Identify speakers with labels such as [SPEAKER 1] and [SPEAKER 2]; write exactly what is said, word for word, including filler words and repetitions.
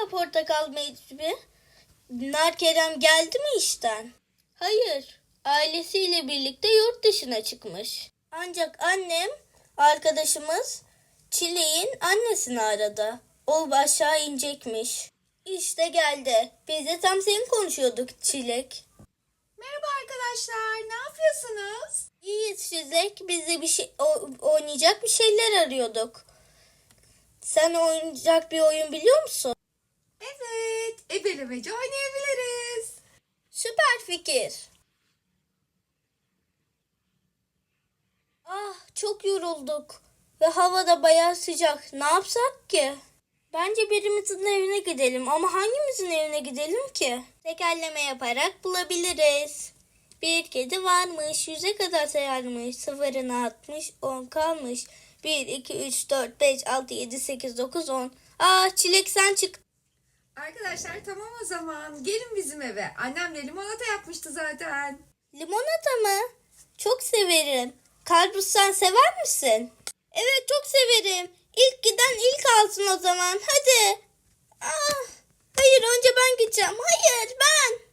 [SPEAKER 1] ya Portakal Mecbi? Nar Kerem geldi mi işten? Hayır, ailesiyle birlikte yurt dışına çıkmış. Ancak annem, arkadaşımız Çilek'in annesini aradı. O aşağı inecekmiş. İşte geldi. Biz de tam seni konuşuyorduk Çilek.
[SPEAKER 2] Merhaba arkadaşlar, ne yapıyorsunuz?
[SPEAKER 1] İyiyiz Çilek. Biz de bir şey, o- oynayacak bir şeyler arıyorduk. Sen oynayacak bir oyun biliyor musun?
[SPEAKER 2] Evet, ebelemeci oynayabiliriz.
[SPEAKER 1] Süper fikir. Ah, çok yorulduk ve hava da bayağı sıcak. Ne yapsak ki? Bence birimizin evine gidelim ama hangimizin evine gidelim ki? Tekerleme yaparak bulabiliriz. Bir kedi varmış, yüze kadar sayarmış. Sıfırına atmış, on kalmış. Bir, iki, üç, dört, beş, altı, yedi, sekiz, dokuz, on. Aa, Çilek sen çık.
[SPEAKER 2] Arkadaşlar tamam o zaman, gelin bizim eve. Annem de limonata yapmıştı zaten.
[SPEAKER 1] Limonata mı? Çok severim. Karpuz sen sever misin? Evet çok severim. İlk giden ilk alsın o zaman. Hadi. Ah, hayır önce ben gideceğim. Hayır ben.